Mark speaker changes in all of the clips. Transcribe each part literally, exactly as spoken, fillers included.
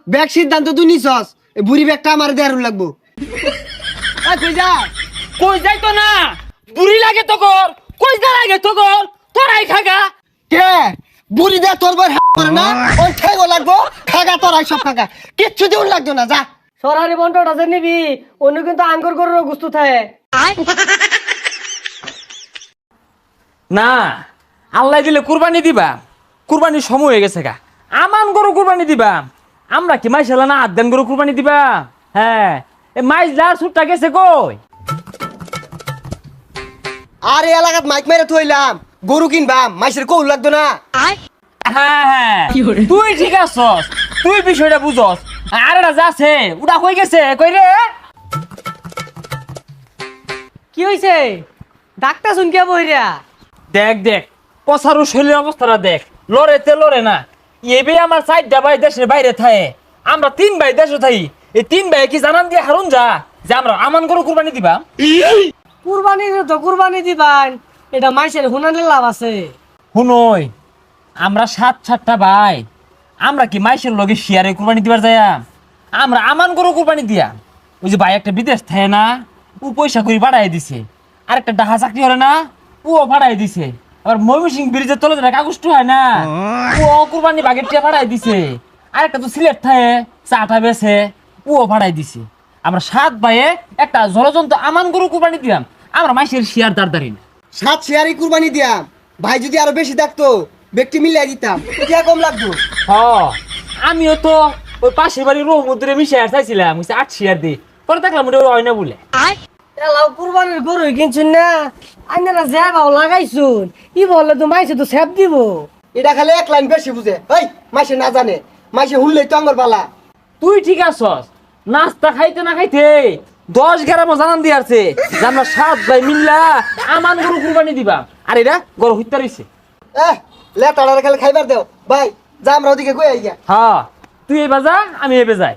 Speaker 1: Bag সিদ্ধান্ত তুই নিছস, এই বুড়ি ব্যাগটা আমার দেয়ার লাগবো। কই যা
Speaker 2: কই যাই তো না, বুড়ি লাগে তো কর, কই যা লাগে তো কর, তোরাই খাগা।
Speaker 1: কে বুড়ি দে তোর বই করে না, ওই ঠেগো লাগবো, খাগা তোরাই সব খাগা, কিচ্ছু দিউন লাগতো না, যা।
Speaker 3: সরারি বন্টটা যে নিবি অন্য কিন্তু আঙ্গুর গরুর গুস্তু থাকে।
Speaker 2: না আল্লাহ দিলে কুরবানি দিবা, কুরবানির সময় হয়ে গেছে গা, আমান গরু কুরবানি দিবা। আমরা কি মাইশ না আদান গরু কুরবানি দিবা? হ্যাঁ এ মাইশ যার সুটটা গেছে কই?
Speaker 1: আর এই এলাকাত মাইক মেরে থইলাম, গরু কিনবাম, মাইসের কৌল লাগতো না।
Speaker 2: হ্যাঁ হ্যাঁ তুই ঠিক আছস, তুই বিষয়টা বুঝস। আর এটা যাচ্ছে ওটা কই গেছে কই রে?
Speaker 3: কি হইছে ডাক্তার শুনকে বইরা?
Speaker 2: দেখ দেখ পসারু শরীরের অবস্থাটা দেখ, লড়েতে লড়ে না। এবে আমার চারটা ভাই দেশের বাইরে থাকে, আমরা তিন ভাই দেশে থাকি। এই তিন ভাই কি জানান দিয়ে হারুন যা যে আমরা আমান গরু কুরবানি দিবা?
Speaker 3: কুরবানি তো কুরবানি দিবান, এটা মাইসের হুনানের লাভ আছে।
Speaker 2: শুনই আমরা সাত সাতটা ভাই, আমরা কি মাইশের লগে শিয়ারে কুরবানি দিবার যায়? আমরা আমান গরু কুরবানি দিয়া। ওই যে ভাই একটা বিদেশ থাকে না, ও পয়সা করে বাড়াই দিছে। আর একটা ডাহা চাকরি করে না, ও বাড়াই দিছে। আবার ময়মনসিং ব্রিজের তলে যেটা কাগজটা হয় না, ও কুরবানি বাগের টিয়া বাড়াই দিছে। আর একটা তো সিলেট থাকে চাটা বেছে, ও বাড়াই দিছে। আমরা সাত ভাইয়ে একটা জলজন্ত আমান গরু কুরবানি দিলাম। আমরা মাইশের শিয়ার দাঁড় না।
Speaker 1: সাত শেয়ারই কুরবানি দিয়াম, ভাই যদি আরো বেশি থাকতো ব্যক্তি মিলাই দিতাম, কে কম লাগতো।
Speaker 2: হ আমিও তো ওই পাশের বাড়ির রহমুদ্রে মিশে আর চাইছিলাম আট শেয়ার দিই, পরে দেখলাম ওটা হয় না বলে।
Speaker 3: এলাও কুরবানির গরু কিনছুন না, আইনারা যা ভাও লাগাইছুন, ই বললে তো মাইসে তো সেব দিব।
Speaker 1: এটা খালি এক লাইন বেশি বুঝে, এই মাইসে না জানে, মাইসে হুনলেই তো আমার বালা।
Speaker 2: তুই ঠিক আছস, নাস্তা খাইতে না খাইতে দশ গ্রামও জানান দিয়ে আছে যে আমরা সাত ভাই মিল্লা আমান গরু কুরবানি দিবা। আর এটা গরু হত্যা রয়েছে।
Speaker 1: এহ লেটাড়ারে খালি খাইবার দেও ভাই, যা আমরা ওদিকে কই আইয়া।
Speaker 2: হ্যাঁ তুই এবার যা, আমি এবে যাই।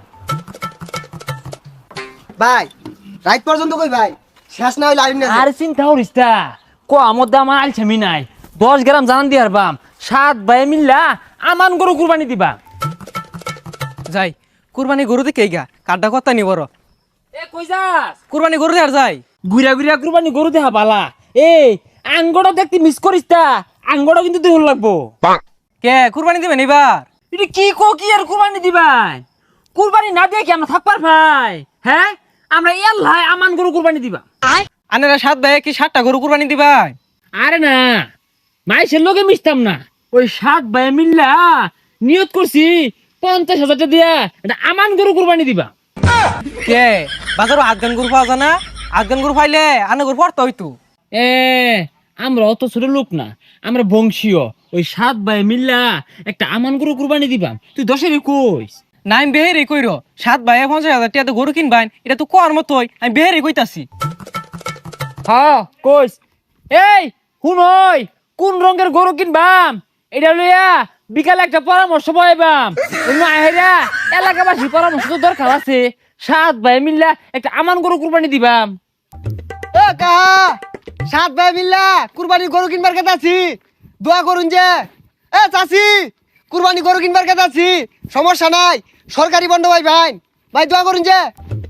Speaker 1: ভাই রাত পর্যন্ত কই ভাই, শেষ না হইলে আইন না।
Speaker 2: আর চিন্তা করিস তা, ক মধ্যে আমার আলছামি নাই। দশ গ্রাম জানান দিয়ে হারবাম, সাত ভাই মিল্লা আমান গরু কুরবানি দিবা।
Speaker 4: যাই কুরবানি গরু দেখে গা কাড্ডা কথা নি বড়
Speaker 2: এ কই যাস?
Speaker 4: কুরবানি গরু দেখার যাই।
Speaker 2: ঘুরা ঘুরা কুরবানি গরু দেখা বালা। এই আঙ্গড়া দেখতে মিস করিস তা, আঙ্গড়া কিন্তু দেহ লাগবো।
Speaker 4: কে কুরবানি দিবেন এবার?
Speaker 2: এটা কি কো কি আর কুরবানি দিবাই? কুরবানি না দিয়ে কি আমরা থাকবার ভাই? হ্যাঁ আমরা এল্লাই আমান গরু কুরবানি দিবা।
Speaker 4: আনারা সাত ভাই কি সাতটা গরু কুরবানি দিবাই?
Speaker 2: আরে না মাইসের লোকে মিশতাম না, ওই সাত ভাই মিল্লা নিয়ত করছি পঞ্চাশ হাজারটা দিয়া এটা আমান গরু কুরবানি দিবা।
Speaker 4: কে বাজারও আফগান গরু পাওয়া যায় না? আফগান গরু পাইলে আনে গরু পড়তে হইতো।
Speaker 2: এ আমরা অত ছোট লোক না, আমরা বংশীয়। ওই সাত ভাই মিল্লা একটা আমান গরু কুরবানি দিবা। তুই দশের কইস
Speaker 4: না আমি বেহেরে কইর, সাত ভাই পঞ্চাশ হাজার টিয়া তো গরু কিনবাই, এটা তো কোয়ার মতোই, আমি বেহেরে কইতাছি।
Speaker 2: হ্যাঁ কইস। এই শুনই কোন রঙের গরু কিনবাম এটা লইয়া বিকালে একটা পরামর্শ পাইবাম। অন্য আহেরা এলাকাবাসী পরামর্শ তো দরকার আছে। সাত ভাই মিল্লা একটা আমান গরু কুরবানি দিবাম।
Speaker 1: এ কাহা সাত ভাই মিল্লা কুরবানি গরু কিনবার কথা আছি, দোয়া করুন যে। এ চাচি কুরবানি গরু কিনবার কথা আছি, সমস্যা নাই, সরকারি বন্ধ ভাই ভাই ভাই দোয়া করুন যে।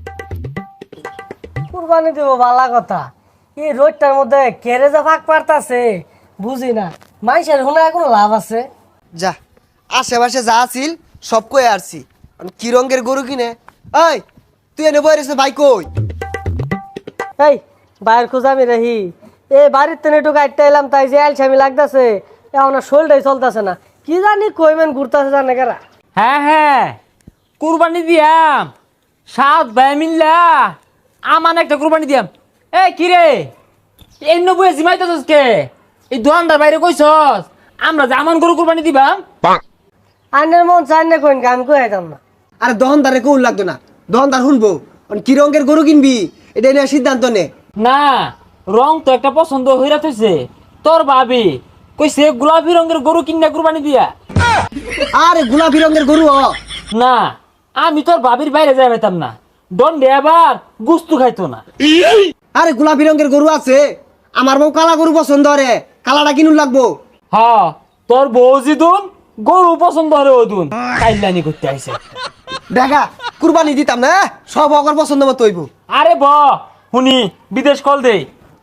Speaker 3: কুরবানি দিব বালা কথা, এই রোডটার মধ্যে কেড়ে যা ফাঁক পারতাছে বুঝি না, মাইসের হুনা কোনো লাভ আছে?
Speaker 1: যা আশেপাশে যা আছিল সব কই আসছি, কি রঙের গরু কিনে। এই তুই এনে বই রেছে ভাই কই?
Speaker 3: এই বাইর খুঁজামি রাহি, এই বাড়ির তেনে একটু গাড়িটা এলাম, তাই যে আলসামি লাগতেছে, এখন আর শোলটাই চলতেছে না, কি জানি কইমেন ঘুরতেছে জানে কারা।
Speaker 2: হ্যাঁ হ্যাঁ কুরবানি দিয়াম, সাত ভাই মিল্লা আমান একটা কুরবানি দিয়াম। এ কি রে এই নবুয়ে জিমাইতেছস কে? এই দোকানদার বাইরে কইছস আমরা যে আমান গরু কুরবানি দিবাম।
Speaker 3: আইনের মন চাই না কইন আমি কই আইতাম না।
Speaker 1: আরে দহনদারে কৌল লাগতো না, দহনদার শুনবো কি রঙের গরু কিনবি এটা নিয়ে সিদ্ধান্ত নে।
Speaker 2: না রং তো একটা পছন্দ হইরা থইছে, তোর ভাবি কইছে গোলাপি রঙের গরু কিনা কুরবানি দিয়া।
Speaker 1: আরে গোলাপি রঙের গরু হ।
Speaker 2: না আমি তোর ভাবির বাইরে যাই পাইতাম না, দণ্ডে আবার গুস্তু খাইতো না।
Speaker 1: আরে গোলাপি রঙের গরু আছে, আমার বউ কালা গরু পছন্দ করে, কালাটা কিনুন লাগবো।
Speaker 2: হ্যাঁ তোর বউ জিদুন গরু পছন্দ হরে ওদুন কাইলানি করতে আইছে।
Speaker 1: দেখা কুরবানি দিতাম না সব অগর পছন্দ মতো হইব।
Speaker 2: আরে ব শুনি বিদেশ কল দে।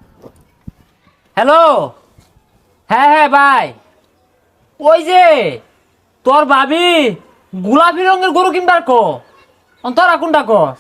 Speaker 2: হ্যালো, হ্যাঁ হ্যাঁ ভাই, ওই যে তোর ভাবি গোলাপি রঙের গরু কিনবার কো তোরা কোনটা কস?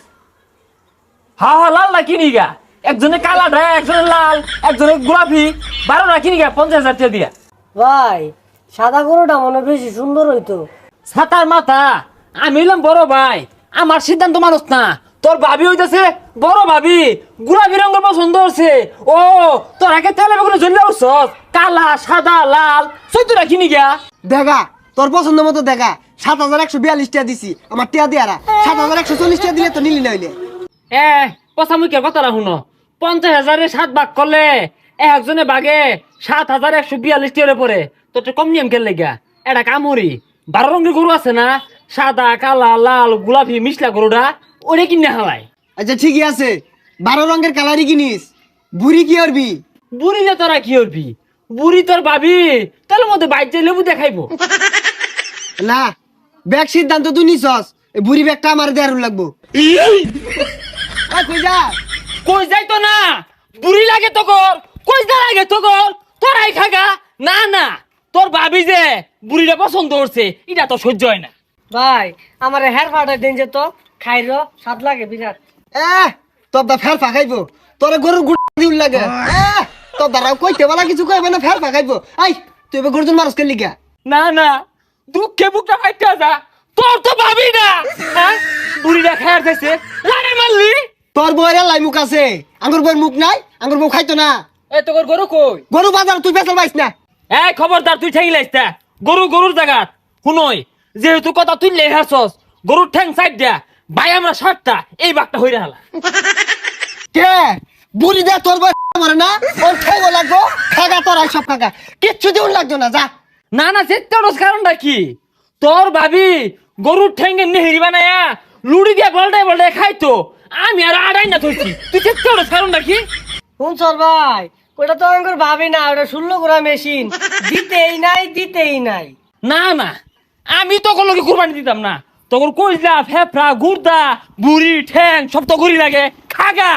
Speaker 2: হা হা লাল না কিনি গা, একজনে কালা ঢায় একজনে লাল একজনে গোলাপি, বারো না কিনি গা পঞ্চাশ হাজার টাকা দিয়া।
Speaker 3: ভাই সাদা গরুটা মনে হয় বেশি সুন্দর হইতো।
Speaker 2: ছাতার মাথা, আমি হইলাম বড় ভাই, আমার সিদ্ধান্ত মানুষ না। তোর ভাবি হইতেছে বড় ভাবি, গোলাপি রঙের পছন্দ হচ্ছে। ও তোর আগে তেলে বেগুনে জ্বললে উঠছস, কালা সাদা লাল চৈতরা কিনি গা।
Speaker 1: দেখা তোর পছন্দ মতো দেখা। সাত হাজার একশো বিয়াল্লিশ টাকা দিছি আমার টিয়া দিয়ারা, সাত হাজার একশো চল্লিশ টাকা দিলে তো নিলি না হইলে।
Speaker 2: এ পচামুখের কথাটা শুনো, পঞ্চাশ হাজারে সাত ভাগ করলে একজনে বাগে সাত হাজার একশো বিয়াল্লিশ টাকা পরে, তোর তো কম নিয়ম খেললে গা। এটা কামড়ি বারো রঙের গরু আছে না, সাদা কালা লাল গোলাপি মিশলা গরুটা, ওরে কিনে হালাই।
Speaker 1: আচ্ছা ঠিকই আছে, বারো রঙের কালারই কিনিস, বুড়ি কি করবি?
Speaker 2: বুড়ি না তোরা কি করবি? বুড়ি তোর ভাবি তার মধ্যে বাইর যে লেবু দেখাইবো।
Speaker 1: না ব্যাগ সিদ্ধান্ত তুই নিছস, এই বুড়ি ব্যাগটা আমার দেয়ার লাগবো। আয়, কই যা?
Speaker 2: কই যাইতো না, বুড়ি লাগে তো কর, কই যা লাগে তো কর, তোরাই খাগা। না না, তোর ভাবি যে বুড়িটা পছন্দ করছে এটা তো সহ্য হয় না।
Speaker 3: ভাই আমার হেয়ার ফাটাই দিন যে তো খাইর স্বাদ লাগে বিরাট।
Speaker 1: এ তোর দা ফের ফাঁকাইবো, তোর গরুর গুড় দিউল লাগে। এ তোর দ্বারা কইতে বলা কিছু কইবে না, ফের ফাঁকাইবো। আই তুই এবার গরুজন মানুষ কেলি গা।
Speaker 2: না না, দুঃখে বুকটা ফাইটা যা, তোর তো ভাবি না। হ্যাঁ বুড়িটা খায়ার খাইছে লাগে মারলি।
Speaker 1: তোর বউয়ের লাই মুখ আছে, আঙ্গুর বউয়ের মুখ নাই, আঙ্গুর বউ খাইতো না।
Speaker 2: এ তোর গরু কই?
Speaker 1: গরু বাজার তুই পেছাল পাইস না।
Speaker 2: এই খবরদার তুই ঠেঙ্গি লাইস না, গরু গরুর জায়গা শুনই। যেহেতু কথা তুই লেহাছস, গরুর ঠ্যাং সাইড দিয়া ভাই আমরা সাতটা এই বাঘটা হইরা হালা।
Speaker 1: কে বুড়ি দে তোর বউ মারে না, ওর খাইবো লাগবো, খাগা তোর সব খাগা, কিচ্ছু দিউল লাগতো না। যা
Speaker 2: না না, চেত্তারস কারণটা কি? তোর ভাবি গরুর ঠ্যাঙ্গে নেহেরি বানায়া লুড়ি দিয়া বলটাই বলটাই খাইতো, আমি আর আড়াই না থইছি। তুই চেত্তারস কারণটা কি?
Speaker 3: শুন সর ভাই, ওটা তো আমি ভাবি না, ওটা ষোলো গোড়া মেশিন, দিতেই নাই দিতেই নাই।
Speaker 2: না না, আমি তখন লোকে কুরবানি দিতাম না। তখন কইলা ফেফড়া গুর্দা বুড়ি ঠ্যাং সব তো গরি লাগে খাগা।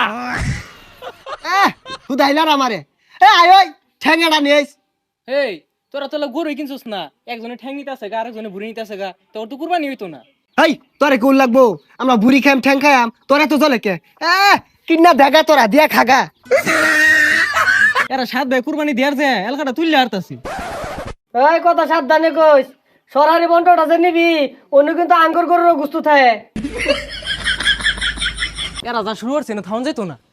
Speaker 1: এ হুদাইলার আমারে। এ আয় ওই ঠ্যাঙ্গাটা নিয়েস।
Speaker 4: এই তোরা তো গরু কিনছিস না, একজনে ঠ্যাং নিতে আছে গা, আরেকজনে ভুড়ি নিতে আছে গা, তোর তো কুরবানি হইতো না।
Speaker 1: এই তোরে কোন লাগবো, আমরা বুড়ি খাইম ঠ্যাং খাইম, তোরা তো চলে কে? এ কিন্না দেখা তোরা দিয়া খাগা।
Speaker 4: এরা সাত ভাই কুরবানি দেয়ার যে এলাকাটা তুললে হারতাছি।
Speaker 3: এই কথা সাবধানে কইস, সরারি বন্টটা যে নিবি অন্য কিন্তু আঙ্গুর গরুর গুস্তু থাকে।
Speaker 4: এরা যা শুরু করছে না থাউন যাইতো না।